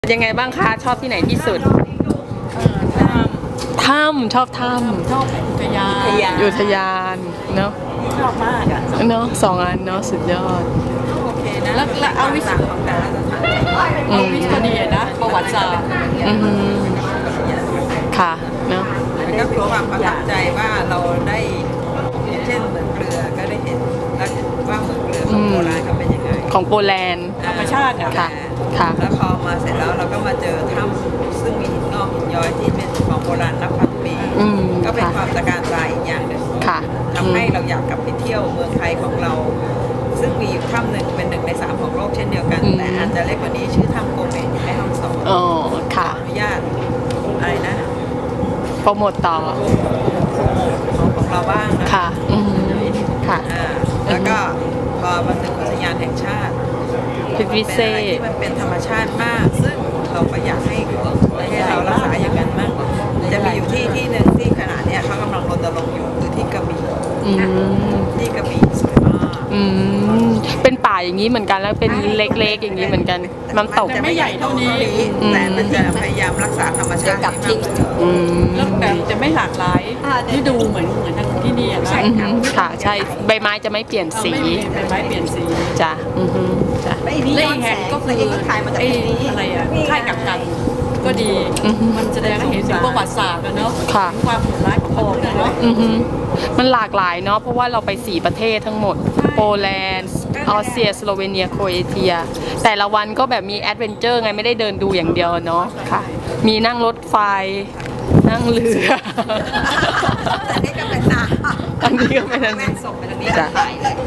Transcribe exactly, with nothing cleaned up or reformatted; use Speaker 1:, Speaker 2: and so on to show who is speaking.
Speaker 1: ยังไงบ้างคะชอบที่ไหนที่สุดถ้ำชอบถ้ำ
Speaker 2: ชอบอุทยาน
Speaker 1: อุทยานเนาะ
Speaker 2: ชอบมากอ่ะ
Speaker 1: เนาะสองอันเนาะสุดยอด
Speaker 2: โอเคนะแล้วแล้วเอาวิศของแต่ละสถานเอาวิศก็ดีนะประวัติศาสตร์
Speaker 1: อืมค่ะเนาะ
Speaker 3: มันก็เป็นความประทับใจว่าเราได้เช่นเหมืองเกลือก็ได้เห็นแล้วว่าเหมืองเกลือของโบราณเขาเป็นยังไง
Speaker 1: ของโปแลนด์
Speaker 2: ธรรมชาติอ่ะ
Speaker 1: ค่ะค่ะ
Speaker 3: แล้วพอมาเสร็จแล้วเราก็มาเจอถ้ำซึ่งมีหินงอกหินย้อยที่เป็นของโบราณนับพันปี
Speaker 1: อืม
Speaker 3: ก็เป็น
Speaker 1: ค่ะ
Speaker 3: ความตระการตาอีกอย่างหนึ่ง
Speaker 1: ค่ะ
Speaker 3: ทำให้เราอยากกลับไปเที่ยวเมืองไทยของเรา ซึ่งมีอยู่ถ้ำหนึ่งเป็นหนึ่งในสามของโลกเช่นเดียวกัน แต่อาจจะเล็กกว่านี้ชื่อถ้ำโกเมนอยู่ในห้องสอง
Speaker 1: อ๋อค่ะ
Speaker 3: อนุญาตอะไรนะ
Speaker 1: โปรโมทต่อ
Speaker 3: ของของเราบ้างนะ
Speaker 1: ค่ะอืมค่ะ
Speaker 3: อ่าแล้วก็พอมาถึงอุทยานแห่งชาติ
Speaker 1: พิพิธ
Speaker 3: เป็น
Speaker 1: เศ
Speaker 3: อะไร
Speaker 1: ษ
Speaker 3: ที่มันเป็นธรรมชาติมาก ซึ่งเราก็อยากให้ให้เรารักษาอย่างนั้นมากจะมีอยู่ที่ที่หนึ่งที่ขณะเนี้ยเขากำลังรณรงค์อยู่คือที่กระบี่
Speaker 1: อืม
Speaker 3: ที่กระบี่สวยมาก
Speaker 1: อืมเป็นป่าอย่างนี้เหมือนกันแล้วเป็นเล็กๆอย่างนี้เหมือนกันน้ำตก
Speaker 3: จะไม่ใหญ่เท่านี้แต่มันจะพยายามรักษาธรรมชาติให้มากที่สุด
Speaker 1: อืม
Speaker 2: แล้วแบบจะไม่หลากหลายที่ดูเหมือนเหมือนทางที่นี่อ่ะนะ
Speaker 1: อือหือค่ะใช่ใบไม้จะไม่เปลี่ยนสี
Speaker 2: ไม่มีใบไม้เปลี่ยนสี
Speaker 1: จ้ะอือหือจ้ะ
Speaker 2: และอีกแห่งก็คือไอ้อะไรอ่ะค่ายกักกันก็ดี
Speaker 1: อือฮึ
Speaker 2: มันแสดงให้เห็นถึงประวัติศาสตร์นะเนาะ
Speaker 1: ค่ะ
Speaker 2: ถึงความโหดร้ายของพระองค์นะเนาะ
Speaker 1: อือหือมันหลากหลายเนาะเพราะว่าเราไปสี่ประเทศทั้งหมด โปแลนด์ออสเตรียสโลเวเนียโครเอเชีย แต่ละวันก็แบบมีแอดเวนเจอร์ไงไม่ได้เดินดูอย่างเดียวเนาะค่ะ มีนั่งรถไฟ นั่งเรือ
Speaker 3: อันนี้ก็เป็นนา
Speaker 1: อันนี้ก็เป็นอัน
Speaker 3: แม่
Speaker 1: นี้
Speaker 3: ส่งไปทางนี้
Speaker 1: จ้ะ
Speaker 3: ถ่ายเลย